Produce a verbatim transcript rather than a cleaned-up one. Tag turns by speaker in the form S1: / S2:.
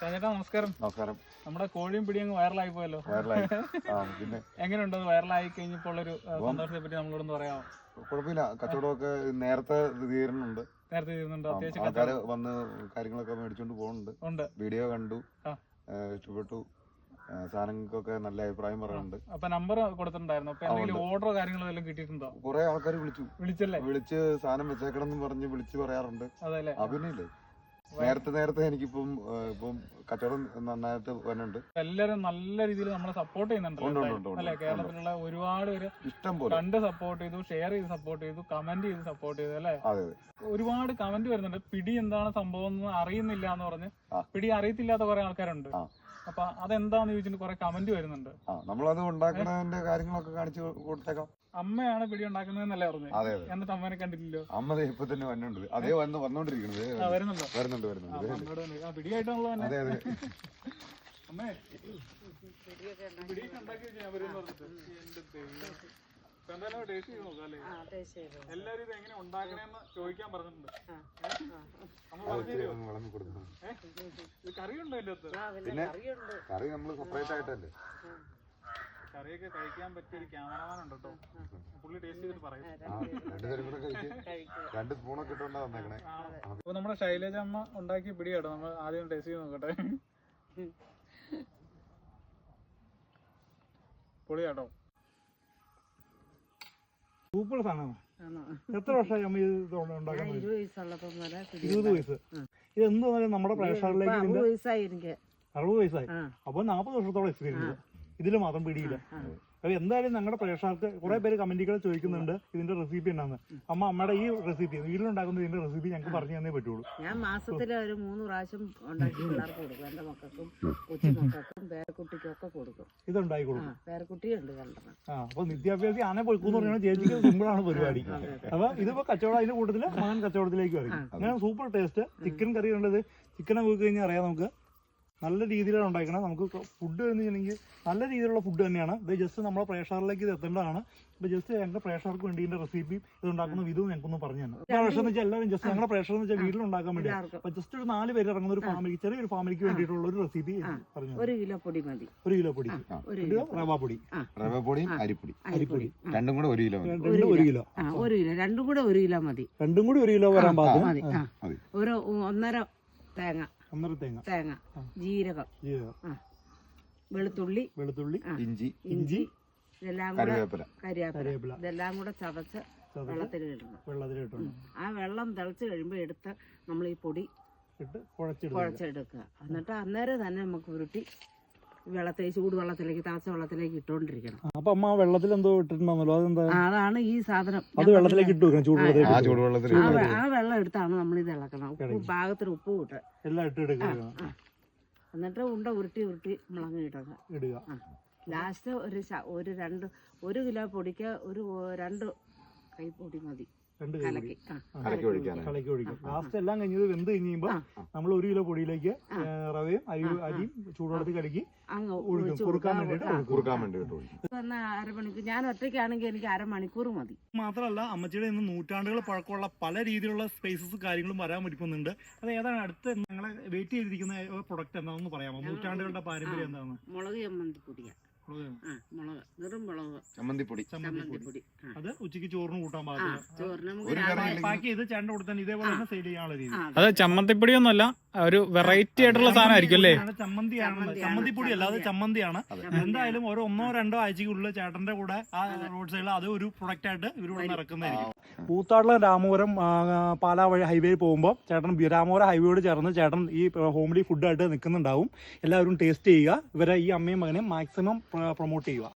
S1: ചേട്ടാ നമസ്കാരം.
S2: നമസ്കാരം.
S1: നമ്മുടെ കോഴിയും പിടിയും വൈറലായി പോയല്ലോ.
S2: പിന്നെ
S1: എങ്ങനെയുണ്ട് വൈറലായി കഴിഞ്ഞപ്പോൾ ഉള്ളൊരു സന്തോഷത്തെ പറ്റി നമ്മളോടൊന്ന് പറയാമോ?
S2: കുഴപ്പമില്ല, കച്ചവടമൊക്കെ നേരത്തെ തീരുന്നുണ്ട്.
S1: നേരത്തെ തീരുന്നുണ്ട്. അത്യാവശ്യം
S2: ആൾക്കാര് വന്ന് കാര്യങ്ങളൊക്കെ മേടിച്ചോണ്ട് പോകുന്നുണ്ട്.
S1: ഉണ്ട്.
S2: വീഡിയോ കണ്ടു, ഇഷ്ടപ്പെട്ടു, സാധനങ്ങൾക്കൊക്കെ നല്ല അഭിപ്രായം പറയുന്നുണ്ട്.
S1: അപ്പൊ നമ്പർ കൊടുത്തിട്ടുണ്ടായിരുന്നു. അപ്പൊ എന്തെങ്കിലും ഓർഡറോ കാര്യങ്ങളോ എല്ലാം കിട്ടിയിട്ടുണ്ടോ?
S2: കുറെ ആൾക്കാർ വിളിച്ചു
S1: വിളിച്ചല്ലേ
S2: വിളിച്ച് സാധനം വെച്ചേക്കണം എന്ന് പറഞ്ഞ് വിളിച്ച് പറയാറുണ്ട്.
S1: അതല്ലേ
S2: അഭിനയില്ലേ നേരത്തെ നേരത്തെ എനിക്കിപ്പം ഇപ്പം കച്ചവടം നന്നായിട്ട് വരുന്നുണ്ട്.
S1: എല്ലാരും നല്ല രീതിയിൽ നമ്മളെ സപ്പോർട്ട് ചെയ്യുന്നുണ്ട് അല്ലെ? കേരളത്തിലുള്ള ഒരുപാട് പേര്
S2: ഇഷ്ടം പോലെ
S1: കണ്ട് സപ്പോർട്ട് ചെയ്തു, ഷെയർ ചെയ്ത് സപ്പോർട്ട് ചെയ്തു, കമന്റ് ചെയ്ത് സപ്പോർട്ട് ചെയ്തു അല്ലെ?
S2: അതെ.
S1: ഒരുപാട് കമന്റ് വരുന്നുണ്ട്. പിടി എന്താണ് സംഭവം എന്ന് അറിയുന്നില്ല എന്ന് പറഞ്ഞ്, പിടി അറിയത്തില്ലാത്ത കുറെ ആൾക്കാരുണ്ട്. അപ്പൊ അതെന്താന്ന് ചോദിച്ചിട്ട് കുറെ കമന്റ് വരുന്നുണ്ട്.
S2: നമ്മളത് ഉണ്ടാക്കുന്നതിന്റെ കാര്യങ്ങളൊക്കെ കാണിച്ചു കൊടുത്തേക്കാം.
S1: അമ്മയാണ് പിടി ഉണ്ടാക്കുന്നതെന്നല്ലേ പറഞ്ഞു?
S2: അതെ.
S1: എന്നിട്ട് അമ്മനെ കണ്ടില്ലല്ലോ.
S2: അമ്മ ഇപ്പൊ തന്നെ വന്നുണ്ട്. അതേ വന്ന് വന്നോണ്ടിരിക്കുന്നത്.
S1: വരുന്നുണ്ടോ?
S2: വരുന്നുണ്ട് വരുന്നുണ്ട്
S1: പിടിയായിട്ടുള്ളൂ.
S2: അതെ അതെ.
S1: അമ്മേ പിടിയൊക്കെ ഉണ്ടാക്കി വെച്ചാൽ വരുമെന്ന് പറഞ്ഞിട്ട് എന്തായാലും ടേസ്റ്റ് ചെയ്ത് നോക്കാം അല്ലേ? എല്ലാരും ഇത് എങ്ങനെ ഉണ്ടാക്കണേന്ന് ചോദിക്കാൻ പറഞ്ഞിട്ടുണ്ട്. അമ്മ പറഞ്ഞു തരുമോ? ഇത് കറിയുണ്ടോ അതിന്റെ അകത്ത്?
S2: പിന്നെ കറി നമ്മള് സെപ്പറേറ്റ് ആയിട്ടല്ലേ.
S1: കറിയൊക്കെ കഴിക്കാൻ പറ്റിയ ഒരു ക്യാമറമാൻ ഉണ്ട് കേട്ടോ. പുള്ളി ടേസ്റ്റ് ചെയ്തിട്ട് പറയും.
S2: രണ്ടുപേരും കൂടെ കഴിക്കും. രണ്ട് സ്പൂണൊക്കെ ഇട്ടോണ്ടാ വന്നേക്കണേ.
S1: അപ്പൊ നമ്മുടെ ശൈലജ അമ്മ ഉണ്ടാക്കിയ പിടി കേട്ടോ. നമ്മൾ ആദ്യം ടേസ്റ്റ് ചെയ്ത് നോക്കട്ടെ. പൊളി കേട്ടോ. സൂപ്പർ സാധനമാണ്. എത്ര വർഷമായി അമ്മ ഇത് ഉണ്ടാക്കാൻ? ഇരുപത് വയസ്സ്. ഇത് എന്ത് പറഞ്ഞാലും നമ്മുടെ പ്രേക്ഷകരിലേക്ക് അറുപത് വയസ്സായി. അപ്പൊ നാപ്പത് വർഷത്തോളം എക്സ്പീരിയൻസ് ഇതില് മാത്രം പിടിയില്ല. അപ്പൊ എന്തായാലും ഞങ്ങളുടെ പ്രേക്ഷകർക്ക് കുറെ പേര് കമന്റുകൾ ചോദിക്കുന്നുണ്ട് ഇതിന്റെ റെസിപ്പി എന്നാന്ന്. അമ്മ അമ്മയുടെ ഈ റെസിപ്പി വീട്ടിലുണ്ടാക്കുന്ന ഇതിന്റെ റെസിപ്പി ഞങ്ങൾക്ക് പറഞ്ഞു തന്നേ പറ്റുള്ളൂ.
S3: ഞാൻ മാസത്തിൽ ഒരു മൂന്ന് പ്രാവശ്യം ഉണ്ടാക്കി പിള്ളേർക്ക് കൊടുക്കും. എന്റെ മക്കൾക്കും കൊച്ചുമക്കൾക്കും പേരക്കുട്ടിക്കും ഒക്കെ കൊടുക്കും.
S1: ഇത് ഉണ്ടാക്കി കൊടുക്കും.
S3: പേരക്കുട്ടിയുണ്ട് രണ്ടെണ്ണം. ആ
S1: അപ്പൊ നിത്യാഭ്യാസി ആനെ പൊയ്ക്കൂന്ന് പറഞ്ഞാൽ ചേച്ചിക്ക് സിമ്പിളാണ് പരിപാടി. അപ്പൊ ഇതിപ്പോ കച്ചവടം അതിന്റെ കൂട്ടത്തില് മകൻ കച്ചവടത്തിലേക്ക് വരും. അങ്ങനെ സൂപ്പർ ടേസ്റ്റ്. ചിക്കൻ കറി ഉള്ളത് ചിക്കനെ പോയി കഴിഞ്ഞാൽ അറിയാം നമുക്ക് നല്ല രീതിയിലാണ് ഉണ്ടാക്കണം. നമുക്ക് ഫുഡ് എന്ന് വെച്ചിട്ടുണ്ടെങ്കിൽ നല്ല രീതിയിലുള്ള ഫുഡ് തന്നെയാണ്. ഇത് ജസ്റ്റ് നമ്മളെ പ്രേക്ഷകരിലേക്ക് ഇത് എത്തേണ്ടതാണ്. ഇപ്പൊ ജസ്റ്റ് ഞങ്ങളുടെ പ്രേക്ഷകർക്ക് വേണ്ടി ഇതിന്റെ റെസിപ്പിയും ഇത് ഉണ്ടാക്കുന്ന വിധവും ഞങ്ങൾക്കൊന്ന് പറഞ്ഞു തന്നെ. പ്രേക്ഷകർ എന്ന് വെച്ചാൽ എല്ലാവരും ജസ്റ്റ് ഞങ്ങളുടെ പ്രേക്ഷകർ എന്ന് വെച്ചാൽ വീട്ടിലുണ്ടാക്കാൻ വേണ്ടി അപ്പൊ ജസ്റ്റ് ഒരു നാല് പേര് ഇറങ്ങുന്ന ഒരു ഫാമിലി ചെറിയൊരു ഫാമിലിക്ക് വേണ്ടിയിട്ടുള്ള ഒരു റെസിപ്പി പറഞ്ഞു.
S3: ഒരു കിലോ പൊടി മതി.
S1: ഒരു കിലോ പൊടി, റവ പൊടി,
S2: റവ പൊടിയും അരിപ്പൊടി അരിപ്പൊടി രണ്ടും കൂടെ ഒരു കിലോ
S1: രണ്ടും ഒരു കിലോ
S3: ഒരു കിലോ രണ്ടും കൂടെ ഒരു കിലോ മതി.
S1: രണ്ടും കൂടി ഒരു കിലോ വരാൻ പാകം
S3: മതി. ഒരു ഒന്നര തേങ്ങ
S1: ഒന്നര തേങ്ങ
S3: തേങ്ങ ജീരകം വെളുത്തുള്ളി
S1: വെളുത്തുള്ളി
S2: ഇഞ്ചി
S3: ഇഞ്ചി ഇതെല്ലാം കൂടെ കരിയാപ്പില ഇതെല്ലാം കൂടെ ചതച്ച് വെള്ളത്തിലിടണം.
S1: വെള്ളത്തിലിട്ടു
S3: ആ വെള്ളം തിളച്ച് കഴിയുമ്പോൾ എടുത്ത് നമ്മൾ ഈ പൊടി
S1: ഇട്ട് കുഴച്ചെടുക്കുക.
S3: കുഴച്ചെടുക്കുക. എന്നിട്ട് അന്നേരം തന്നെ നമുക്ക് ഉരുട്ടി വെള്ളത്തിൽ ചൂട് വെള്ളത്തിലേക്ക് തിളച്ച വെള്ളത്തിലേക്ക് ഇട്ടോണ്ടിരിക്കണം.
S1: അപ്പൊ അമ്മ വെള്ളത്തിൽ എന്തോ ഇട്ടിട്ടുണ്ടോ? അതെന്താ?
S3: അതാണ് ഈ സാധനം.
S1: അത് വെള്ളത്തിലേക്ക് ഇട്ട് വെക്കണം. ചൂടുവെള്ളത്തിൽ
S3: ആ വെള്ളം എടുത്താണ് നമ്മൾ ഇത് ഇളക്കണം. ഉപ്പ് പാകത്തിന് ഉപ്പ് ഇട്ട്
S1: എല്ലാം ഇട്ട് എടുക്കുക.
S3: എന്നിട്ട് ഉണ്ട ഉരുട്ടി ഉരുട്ടി മുളക് ഇടുക
S1: ഇടുക.
S3: ലാസ്റ്റ് ഒരു ഒരു രണ്ട് ഒരു കിലോ പൊടിക്ക് ഒരു രണ്ട് കൈ പൊടി മതി.
S1: കലക്കി ഒഴിക്കും. ലാസ്റ്റ് എല്ലാം കഴിഞ്ഞത് വെന്ത് കഴിയുമ്പോ നമ്മൾ ഒരു കിലോ പൊടിയിലേക്ക് റവയും അരി അരിയും ചൂടുവെള്ളത്തിൽ കലക്കി കുറുക്കാൻ വേണ്ടിട്ട്
S3: അരമണിക്കൂർ. ഞാൻ ഒറ്റയ്ക്കാണെങ്കിൽ എനിക്ക് അരമണിക്കൂർ മതി.
S1: മാത്രമല്ല അമ്മച്ചിയുടെ ഇന്ന് നൂറ്റാണ്ടുകൾ പഴക്കമുള്ള പല രീതിയിലുള്ള സ്പൈസസ് കാര്യങ്ങളും വരാൻ പറ്റുന്നുണ്ട്. അത് ഏതാണ് അടുത്ത് ഞങ്ങളെ വെയിറ്റ് ചെയ്തിരിക്കുന്ന പ്രൊഡക്റ്റ് എന്താണെന്ന് പറയാമോ? നൂറ്റാണ്ടുകളുടെ പാരമ്പര്യം എന്താണ്?
S3: മുളക് ചമ്മന്തിപ്പൊടിയാണ്.
S2: ചമ്മന്തിപ്പൊടി.
S1: അത് ഉച്ചക്ക് ചോറിന് കൂട്ടാൻ പാക്ക് ചെയ്ത് ചേട്ടൻ കൊടുത്താൽ ഇതേപോലെ തന്നെ സെയിൽ ചെയ്യാനുള്ള രീതി.
S4: അത് ചമ്മന്തിപ്പൊടി ഒന്നുമല്ല, ഒരു വെറൈറ്റി ആയിട്ടുള്ള സാധനമായിരിക്കും അല്ലേ?
S1: ചമ്മന്തിയാണ്. ചമ്മന്തിപ്പൊടി അല്ല, അത് ചമ്മന്തിയാണ്. എന്തായാലും ഒരു ഒന്നോ രണ്ടോ ആഴ്ചക്കുള്ളിൽ ചേട്ടന്റെ കൂടെ ആ റോഡ് സൈഡിൽ അത് ഒരു പ്രൊഡക്റ്റ് ആയിട്ട് ഇവരോട് ഇറക്കുന്നതായിരിക്കും. കൂത്താടുള്ള രാമപുരം പാലാ വഴി ഹൈവേ പോകുമ്പോൾ ചേട്ടൻ രാമപുരം ഹൈവേയോട് ചേർന്ന് ചേട്ടൻ ഈ ഹോംലി ഫുഡായിട്ട് നിൽക്കുന്നുണ്ടാവും. എല്ലാവരും ടേസ്റ്റ് ചെയ്യുക. ഇവരെ ഈ അമ്മയും മകനെയും മാക്സിമം പ്രൊമോട്ട് ചെയ്യുക.